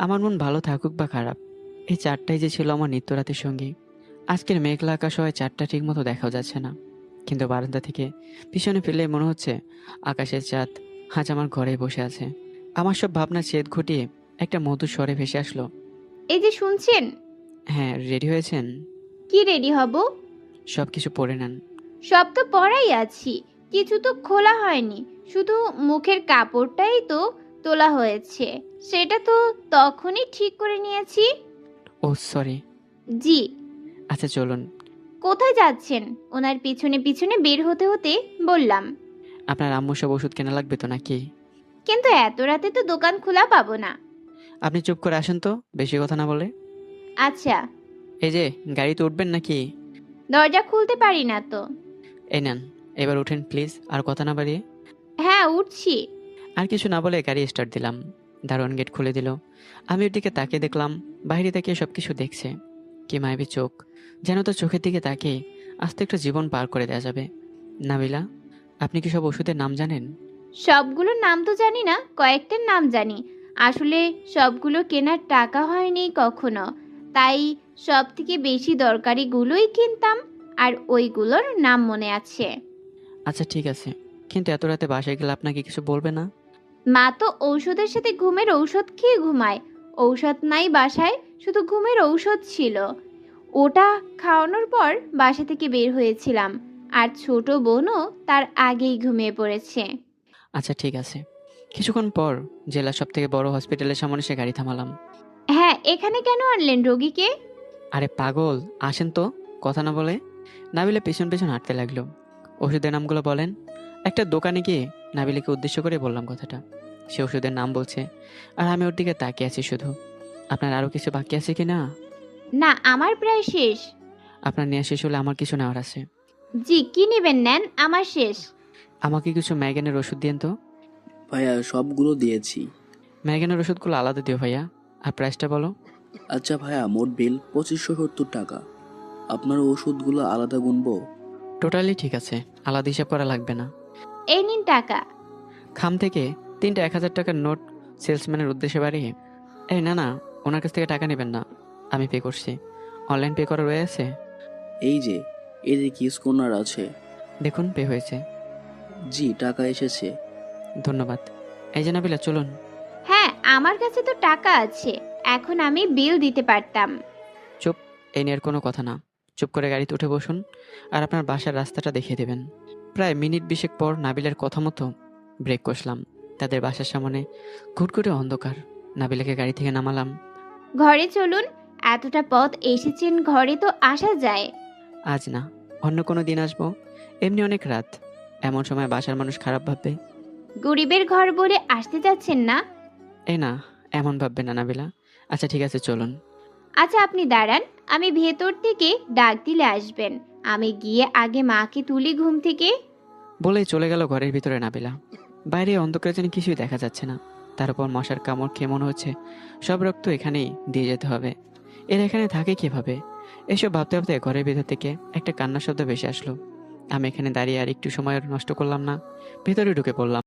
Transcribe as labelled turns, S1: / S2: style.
S1: আমার মন ভালো থাকুক বা খারাপ, এই চারটাই যে ছিল আমার নিত্যরাতের সঙ্গী। আজকের মেঘলা আকাশ হয় চারটা ঠিক মতো দেখাও যাচ্ছে না, কিন্তু বারান্দা থেকে পিছনে ফিরলে মনে হচ্ছে আকাশের চাঁদ আজ আমার ঘরে বসে আছে। আমার সব ভাবনা ছেদ ঘটিয়ে একটা মধুর স্বরে ভেসে আসলো।
S2: এই যে শুনছেন।
S1: হ্যাঁ, রেডি হয়েছেন?
S2: কি রেডি হব?
S1: সব কিছু পরে নেন।
S2: সব তো পরাই আছি, কিছু তো খোলা হয়নি। শুধু মুখের কাপড়টাই তো তোলা হয়েছে, সেটা তো তখনই ঠিক করে নিয়েছি।
S1: ও সরি।
S2: জি।
S1: আচ্ছা চলুন।
S2: কোথায় যাচ্ছেন? ওনার পিছনে পিছনে বের হতে হতে বললাম।
S1: আপনার আম্মু সব ওষুধ কেনা লাগবে তো নাকি?
S2: কিন্তু এত রাতে তো দোকান খোলা পাবো না।
S1: আপনি চুপ করে আসেন তো, বেশি কথা না বলে।
S2: আচ্ছা।
S1: এই যে, গাড়িতে উঠবেন নাকি?
S2: দরজা খুলতে পারি না তো।
S1: এই নেন, এবার উঠেন প্লিজ, আর কথা না বাড়িয়ে।
S2: হ্যাঁ, উঠছি।
S1: আর কিছু না বলে গাড়ি স্টার্ট দিলাম। দারোয়ান গেট খুলে দিল। আমি ওর দিকে তাকিয়ে দেখলাম, বাইরে তাকিয়ে সব কিছু দেখছে। কি মায়াবী চোখ, যেন তো চোখের দিকে তাকিয়ে আস্তে একটা জীবন পার করে দেওয়া যাবে। নাবিলা, আপনি কি সব ওষুধের নাম জানেন?
S2: সবগুলোর নাম তো জানি না, কয়েকটার নাম জানি। আসলে সবগুলো কেনার টাকা হয়নি কখনো, তাই সব থেকে বেশি দরকারিগুলোই কিনতাম। আর ওইগুলোর নাম মনে আছে।
S1: আচ্ছা ঠিক আছে, কিন্তু এত রাতে বাসায় গেলে আপনাকে কিছু বলবে না?
S2: মা তো ঔষধের সাথে ঘুমের ঔষধ খেয়ে ঘুমায়। ঔষধ নাই বাসায়, শুধু ঘুমের ঔষধ ছিল। ওটা খাওয়ানোর পর বাসা থেকে বের হয়েছিলাম। আর ছোট বোনও তার আগেই ঘুমিয়ে পড়েছে।
S1: আচ্ছা ঠিক আছে। কিছুক্ষণ পর জেলার সব থেকে বড় হসপিটালের সামনে সে গাড়ি থামালাম।
S2: হ্যাঁ, এখানে কেন আনলেন রোগীকে?
S1: আরে পাগল, আসেন তো, কথা না বলে। নাবিলা পেছন পেছন হাঁটতে লাগলো। ওষুধের নামগুলো বলেন। একটা দোকানে গিয়ে নাবিলাকে উদ্দেশ্য করে বললাম কথাটা। সে ওষুধের নাম বলছে, আর আমি ওর দিকে তাকিয়ে আছি শুধু। আপনার আরও কিছু বাকি আছে কি না?
S2: না, আমার প্রায় শেষ।
S1: আপনার নেওয়া শেষ হলে আমার কিছু নেওয়ার আছে।
S2: জি, কি নেবেন নেন, আমার শেষ।
S1: আমাকে কিছু ম্যাগেনের ওষুধ দিন তো।
S3: ভাইয়া সবগুলো দিয়েছি।
S1: ম্যাগেনের ওষুধগুলো আলাদা দিও ভাইয়া। আর প্রাইসটা বলো।
S3: আচ্ছা ভাইয়া, মোট বিল 2570 টাকা। আপনার ওষুধগুলো আলাদা গুনবো?
S1: টোটালি ঠিক আছে, আলাদা হিসাব করা লাগবে না।
S2: এই নিন টাকা।
S1: খাম থেকে তিনটা 1000 টাকার নোট সেলসম্যানের উদ্দেশ্যে বাড়িয়ে, এই না না, ওনার কাছ থেকে টাকা নেবেন না, আমি পে করছি। অনলাইন পে করা রয়েছে?
S3: এই যে, এর কি স্কোনার আছে?
S1: দেখুন পে হয়েছে।
S3: জি, টাকা এসেছে।
S1: ধন্যবাদ। এই যে নাবিলা, চলুন।
S2: হ্যাঁ, আমার কাছে তো টাকা আছে, এখন আমি বিল দিতে পারতাম।
S1: চুপ, এই নিয়ে আর কোনো কথা না। চুপ করে গাড়িতে উঠে বসুন, আর আপনার বাসার রাস্তাটা দেখিয়ে দেবেন। প্রায় মিনিট 20 পর নাবিলার কথা মতো ব্রেক কষলাম। তাদের বাসার সামনে ঘুটঘুটে অন্ধকার। নাবিলাকে গাড়ি থেকে নামালাম।
S2: ঘরে চলুন। এতটা পথ এসেছেন, ঘরে তো আসা যায়।
S1: আজ না, অন্য কোনো দিন আসবো। এমনি অনেক রাত, এমন সময় বাসার মানুষ খারাপ ভাববে।
S2: গরিবের ঘর বলে আসতে যাচ্ছেন না।
S1: এই না, এমন ভাববে না নাবিলা। আচ্ছা ঠিক আছে, চলুন।
S2: আচ্ছা, আপনি দাঁড়ান, আমি ভেতর থেকে ডাক দিলে আসবেন। আমি গিয়ে আগে মাকে তুলি ঘুম থেকে।
S1: বলেই চলে গেল ঘরের ভিতরে নাবিলা। বাইরে অন্ধকারে যেন কিছুই দেখা যাচ্ছে না। তার উপর মশার কামড় খেয়ে মনে হচ্ছে সব রক্ত এখানেই দিয়ে যেতে হবে। এরা এখানে থাকে কিভাবে? এসব ভাবতে ভাবতে ঘরের ভিতর থেকে একটা কান্নার শব্দ ভেসে আসলো। আমি এখানে দাঁড়িয়ে আর একটু সময় নষ্ট করলাম না, ভেতরে ঢুকে পড়লাম।